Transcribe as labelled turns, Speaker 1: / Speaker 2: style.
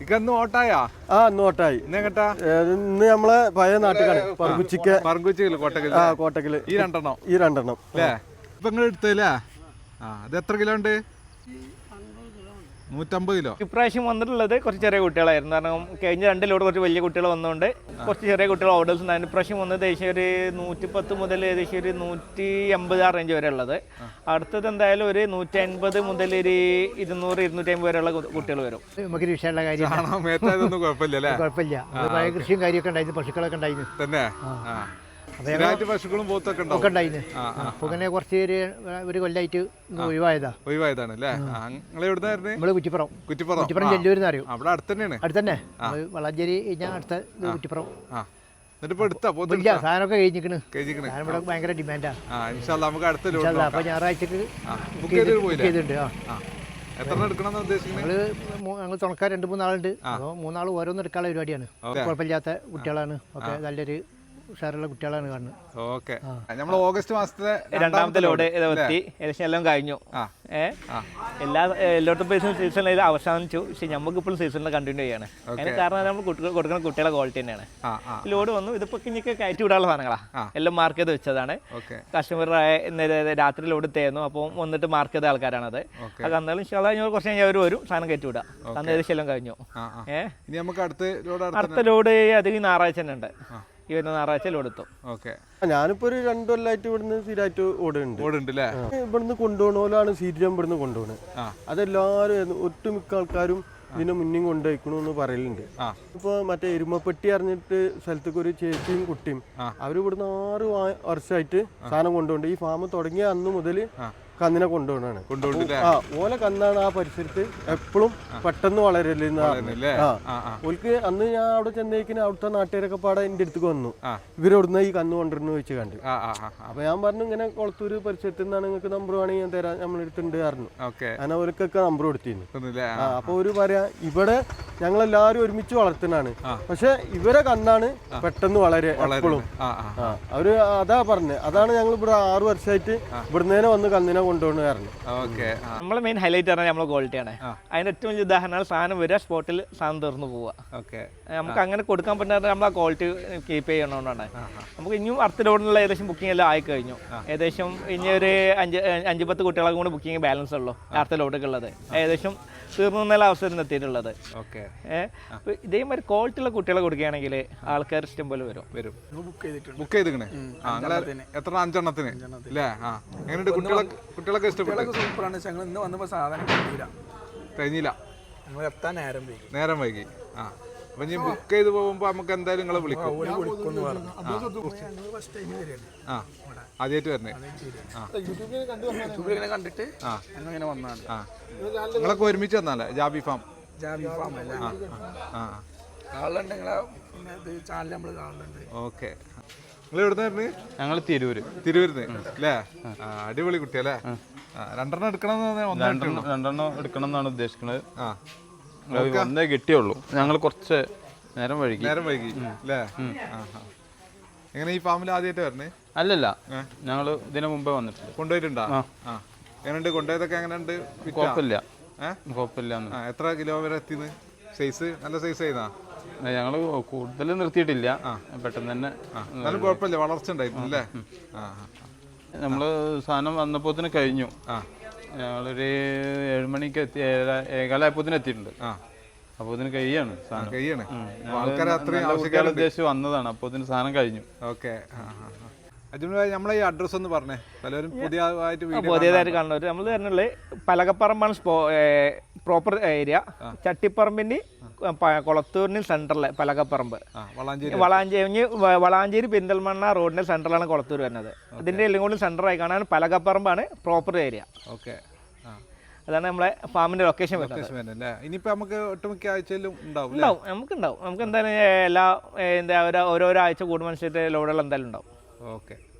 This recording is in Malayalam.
Speaker 1: ഇന്ന് ഓട്ടായാ?
Speaker 2: ഇന്ന് ഓട്ടായി.
Speaker 1: ഇന്ന്
Speaker 2: നമ്മളെ പഴയ നാട്ടുകാണ്
Speaker 1: കോട്ടക്കല്. ഈ രണ്ടെണ്ണം
Speaker 2: അല്ലേ?
Speaker 1: ഇപ്പൊ നിങ്ങൾ എടുത്തല്ലേ? ഇത് എത്ര കിലോ ഉണ്ട്? 150 കിലോ.
Speaker 3: ഇപ്രാവശ്യം വന്നിട്ടുള്ളത് കുറച്ച് ചെറിയ കുട്ടികളായിരുന്നു. കാരണം കഴിഞ്ഞ 2 ലോഡ് കുറച്ച് വലിയ കുട്ടികൾ വന്നുകൊണ്ട് കുറച്ച് ചെറിയ കുട്ടികൾ ഓർഡേഴ്സ് ഉണ്ടായിരുന്നു. ഇപ്രാവശ്യം വന്നത് ഏകദേശം ഒരു 110 മുതൽ ഏകദേശം ഒരു 150 ആ റേഞ്ച് വരെ ഉള്ളത്. അടുത്തത് എന്തായാലും ഒരു 150 മുതൽ ഒരു 200 250 വരെയുള്ള കുട്ടികൾ വരും.
Speaker 4: നമുക്കൊരു വിഷയമുള്ള കാര്യം കുഴപ്പമില്ല. കൃഷിയും കാര്യമൊക്കെ ഉണ്ടായിരുന്നു, പശുക്കളൊക്കെ ഉണ്ടായിരുന്നു
Speaker 1: തന്നെ. പശുക്കളും പോത്തൊക്കെ
Speaker 4: ഉണ്ടായിരുന്നു. അപ്പൊ ഇങ്ങനെ കുറച്ച് ഒരു കൊല്ലായിട്ട്
Speaker 1: ഒഴിവായതാണ് അല്ലേ?
Speaker 4: നമ്മള് കുറ്റിപ്പുറം ചെല്ലൂരിന്ന് അറിയും.
Speaker 1: അവിടെ
Speaker 4: അടുത്തന്നെ വളാഞ്ചേരി ഞാൻ അടുത്ത കുറ്റിപ്പുറം.
Speaker 1: സാധനമൊക്കെ
Speaker 4: കഴിഞ്ഞിരിക്കണ്. ഇവിടെ ഭയങ്കര ഡിമാൻഡാ. അപ്പൊ ഞായറാഴ്ചക്ക് ചെയ്തിട്ടുണ്ട്. ഞങ്ങൾ തുണക്കാർ 2-3 ആളുണ്ട്. അപ്പോൾ 3 ആൾ ഓരോന്നും എടുക്കാനുള്ള പരിപാടിയാണ്. കുഴപ്പമില്ലാത്ത കുട്ടികളാണ്. ഒക്കെ നല്ലൊരു ഉഷാറുള്ള കുട്ടികളാണ് കാണുന്നത്.
Speaker 1: നമ്മൾ ഓഗസ്റ്റ് മാസത്തിലെ
Speaker 3: 2ാമത്തെ ലോഡ് എത്തി. ഏകദേശം എല്ലാം കഴിഞ്ഞു. എല്ലായിടത്തും സീസൺ അവസാനിച്ചു. പക്ഷെ നമുക്ക് ഇപ്പോഴും സീസണിൽ കണ്ടിന്യൂ ചെയ്യാണ്. അതിന് കാരണം നമ്മൾ കൊടുക്കുന്ന കുട്ടികളെ ക്വാളിറ്റി തന്നെയാണ്. ലോഡ് വന്നു. ഇതിപ്പോ ഇനിയൊക്കെ കയറ്റി വിടാനുള്ള സാധനങ്ങളാണ്. എല്ലാം മാർക്ക് ചെയ്ത് വെച്ചതാണ്. കസ്റ്റമർ രാത്രി ലോഡ് തേന്നു. അപ്പോൾ വന്നിട്ട് മാർക്ക് ചെയ്ത ആൾക്കാരാണത്. അത് എന്നാലും കുറച്ച് കഴിഞ്ഞാൽ അവർ വരും, സാധനം കയറ്റി വിടാം. അന്ന് ഏകദേശം എല്ലാം കഴിഞ്ഞു. അടുത്ത ലോഡ് അധികം ഞായറാഴ്ച തന്നെ ഉണ്ട്. ഈ വരുന്ന ഞായറാഴ്ച ലോഡെത്തും.
Speaker 2: ഞാനിപ്പോ ഒരു 2 കൊല്ലമായിട്ട് ഇവിടുന്ന് സ്ഥിരമായിട്ട് ഓടുന്നുണ്ട്. ഇവിടുന്ന് കൊണ്ടുപോകണോലാണ് സീരിയം ഇവിടുന്ന് കൊണ്ടുപോകണത്. അതെല്ലാരും ഒട്ടുമിക്ക ആൾക്കാരും ഇതിനെ മുന്നും കൊണ്ടുപോയിക്കണമെന്ന് പറയലുണ്ട്. ഇപ്പൊ മറ്റേ എരുമപ്പെട്ടി അറിഞ്ഞിട്ട് സ്ഥലത്തേക്ക് ഒരു ചേച്ചിയും കുട്ടിയും അവര് ഇവിടുന്ന് 6 വർഷമായിട്ട് സാധനം കൊണ്ടുപോകുന്നുണ്ട്. ഈ ഫാം തുടങ്ങിയ അന്ന് മുതൽ കന്നിനെ കൊണ്ടുപോകണാണ്. ഓല കന്നാണ് ആ പരിസരത്ത് എപ്പോഴും പെട്ടെന്ന് വളരലെന്ന് ഓൽക്ക് അന്ന് ഞാൻ അവിടെ ചെന്നേക്കിന് അവിടുത്തെ നാട്ടുകാരൊക്കെ പാടെ എന്റെ അടുത്തേക്ക് വന്നു. ഇവരവിടുന്ന് ഈ കന്ന് കൊണ്ടുവരുന്ന വെച്ച് കണ്ടു. അപ്പൊ ഞാൻ പറഞ്ഞു ഇങ്ങനെ കൊളത്തൂര് പരിസരത്ത് നിന്നാണ് നിങ്ങൾക്ക് നമ്പർ വേണമെങ്കിൽ ഞാൻ തരാം, നമ്മളെടുത്തുണ്ട് പറഞ്ഞു. അങ്ങനെ അവർക്കൊക്കെ നമ്പർ കൊടുത്തിരുന്നു. അപ്പൊ ഒരു പറയാ ഇവിടെ ഞങ്ങളെല്ലാരും ഒരുമിച്ച് വളർത്തുന്നതാണ്, പക്ഷെ ഇവരെ കന്നാണ് പെട്ടെന്ന് വളരെ എപ്പോഴും. അവര് അതാ പറഞ്ഞത്. അതാണ് ഞങ്ങൾ ഇവിടെ 6 വർഷമായിട്ട് ഇവിടുന്ന് വന്ന് കന്നിനെ കൊണ്ടുപോകുന്ന കാരണം.
Speaker 3: നമ്മളെ മെയിൻ ഹൈലൈറ്റ് പറഞ്ഞാൽ നമ്മളെ ക്വാളിറ്റിയാണ്. അതിന്റെ ഏറ്റവും വലിയ ഉദാഹരണമാണ് സാധനം വരിക, സ്പോട്ടിൽ സാധനം തീർന്നു പോവുക. നമുക്ക് അങ്ങനെ കൊടുക്കാൻ പറ്റുന്നത് നമ്മൾ ആ ക്വാളിറ്റി കീപ്പ് ചെയ്യണോണ്ടാണ്. നമുക്ക് ഇനിയും അടുത്ത ലോഡിനുള്ള ഏകദേശം ബുക്കിംഗ് എല്ലാം ആയി കഴിഞ്ഞു. ഏകദേശം ഇനി ഒരു 5-10 കുട്ടികളെ കൂടെ ബുക്കിംഗ് ബാലൻസ് ഉള്ളൂ അടുത്ത ലോഡൊക്കെ ഉള്ളത്. ഏകദേശം തീർന്നുള്ള അവസരം എത്തിയിട്ടുള്ളത്. ഇതേമാതിരി ക്വാളിറ്റി ഉള്ള കുട്ടികളെ കൊടുക്കുകയാണെങ്കിൽ ആൾക്കാർ ഇഷ്ടം പോലെ വരും.
Speaker 1: ബുക്ക് ചെയ്തിക്കണേ എത്ര 5 എണ്ണത്തിന് കുട്ടികളൊക്കെ ഇഷ്ടപ്പെട്ടു.
Speaker 5: സൂപ്പറാണ്. ഞങ്ങൾ ഇന്ന് വന്നപ്പോൾ സാധനം
Speaker 1: കഴിഞ്ഞില്ല,
Speaker 5: എത്താൻ
Speaker 1: നേരം വൈകി. അപ്പൊ ഇനി ബുക്ക് ചെയ്ത് പോകുമ്പോ നമുക്ക് എന്തായാലും നിങ്ങളെ വിളിക്കും. ആദ്യമായിട്ട് വരണേ
Speaker 5: കണ്ടിട്ട് വന്നാണ്.
Speaker 1: നിങ്ങളൊക്കെ ഒരുമിച്ച് വന്നാലേ ജാബി ഫാം ഓക്കെ. നിങ്ങൾ എവിടുന്നായിരുന്നു?
Speaker 6: ഞങ്ങൾ
Speaker 1: തിരൂരിന്ന് അല്ലേ? അടിപൊളി കുട്ടിയല്ലേ? 2
Speaker 6: രണ്ടെണ്ണം എടുക്കണം എന്നാണ് ഉദ്ദേശിക്കുന്നത്. ഒന്നേ കിട്ടിയുള്ളൂ. ഞങ്ങൾ കുറച്ച് നേരം വൈകി
Speaker 1: അല്ലേ? എങ്ങനെ ഈ ഫാമിൽ ആദ്യമായിട്ട് വരണേ?
Speaker 6: അല്ലല്ല, ഞങ്ങൾ ഇതിനു മുമ്പേ വന്നിട്ടുണ്ട്.
Speaker 1: കൊണ്ടുപോയിട്ടുണ്ടോ? എങ്ങനെയുണ്ട്? കൊണ്ടുപോയതൊക്കെ എങ്ങനെയുണ്ട്?
Speaker 6: കുഴപ്പമില്ല.
Speaker 1: എത്ര കിലോ വരെ എത്തിന്ന്? സൈസ് നല്ല സൈസ് ആയിരുന്നാ?
Speaker 6: ഞങ്ങള് കൂടുതൽ നിർത്തിയിട്ടില്ല, പെട്ടെന്ന് തന്നെ.
Speaker 1: കുഴപ്പമില്ല, വളർച്ച ഉണ്ടായിരുന്നു അല്ലേ?
Speaker 6: നമ്മള് സാധനം വന്നപ്പോത്തിന് കഴിഞ്ഞു. ഞങ്ങളൊരു 7 മണിക്ക് എത്തി, 7:15 എത്തിയിട്ടുണ്ട്. അപ്പൊ ഇതിന് കഴിയാണ് ഉദ്ദേശിച്ച് വന്നതാണ്. അപ്പൊ ഇതിന് സാധനം കഴിഞ്ഞു.
Speaker 1: ഓക്കെ. നമ്മളെ ഈ അഡ്രസ് ഒന്ന് പറഞ്ഞേ, പലരും
Speaker 3: പുതിയതായിട്ട് കാണുന്നവർ. നമ്മൾ തന്നെയുള്ള പലകപ്പറമ്പാണ് പ്രോപ്പർ ഏരിയ. ചട്ടിപ്പറമ്പിന്റെ കൊളത്തൂരിന് സെന്ററിലെ പലകപ്പറമ്പ്, വളാഞ്ചേരി പെരിന്തൽമണ്ണ റോഡിന്റെ സെന്ററിലാണ് കൊളത്തൂർ വരുന്നത്. ഇതിന്റെ എല്ലാം കൂടി സെന്ററായി കാണാൻ പലകപ്പറമ്പാണ് പ്രോപ്പർ ഏരിയ.
Speaker 1: ഓക്കെ.
Speaker 3: അതാണ് നമ്മളെ ഫാമിന്റെ ലൊക്കേഷൻ
Speaker 1: വരുന്നത്. ഇനിയിപ്പോ നമുക്ക് ഒട്ടുമിക്ക ആഴ്ചയിലും ഉണ്ടാവും.
Speaker 3: നമുക്ക് എന്തായാലും ഓരോരോ ആഴ്ച കൂടുമ്പോൾ ലോഡുകൾ എന്തായാലും ഉണ്ടാവും.
Speaker 1: ഓക്കെ.